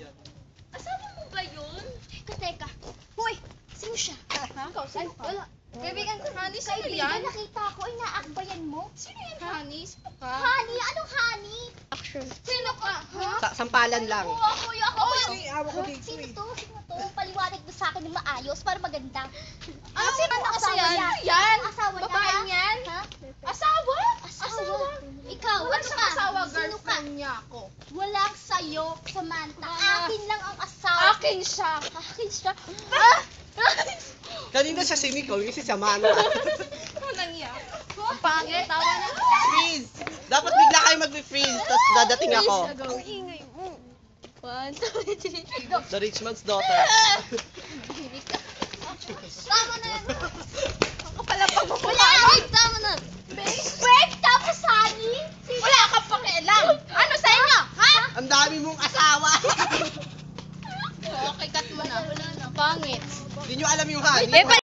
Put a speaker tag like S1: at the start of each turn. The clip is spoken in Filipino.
S1: Asawa mo ba yun?
S2: Teka. Hoy! Sino siya?
S1: Ha? Ikaw, sino ka?
S2: Wala.
S1: Kaibigan ko, Honey, sino
S2: Kaibigan,
S1: yan?
S2: nakita ko. Inaakbayan mo.
S1: Sino yan, Honey? Sino ka?
S2: Honey? Anong honey?
S1: Sino ka? Ha?
S3: Sampalan lang.
S2: Oo, ako yun. Ako yun.
S3: Awa ko dito
S2: Sino to? Sino to? Paliwanag mo sa akin ng maayos para maganda.
S1: Sino
S2: ang
S1: kasi
S2: asawa
S1: yan?
S2: niya?
S1: Yan?
S2: Asawa niya,
S1: Babae
S2: ha?
S1: niyan?
S2: Ha?
S1: Asawa?
S2: Asawa. Ikaw,
S1: Wala
S2: ano
S1: siyang
S2: ka?
S1: asawa,
S2: Sino ka?
S1: girlfriend niya ako.
S2: Walang sayo, Samantha.
S1: Wala.
S2: Akin lang ang asawa.
S1: Akin siya.
S2: Akin siya.
S3: Kanina siya si Nicole, kasi si Amanda.
S1: Ano nangyari? Ang pangit, tawa na.
S3: Freeze! Dapat bigla kayo mag-freeze, tapos dadating ako.
S1: Ingay mo. 1, 2, 3, go.
S3: The rich man's daughter.
S2: Tama na yan.
S1: Ako pala pagmumukha.
S2: Wala, wait, tama na. Wait, tapos honey?
S1: Wala ka pakialam. Ano sa inyo? Ha?
S3: Ang dami mong asawa.
S1: Okay, cut mo na. Pangit.
S3: Hindi nyo alam yung honey.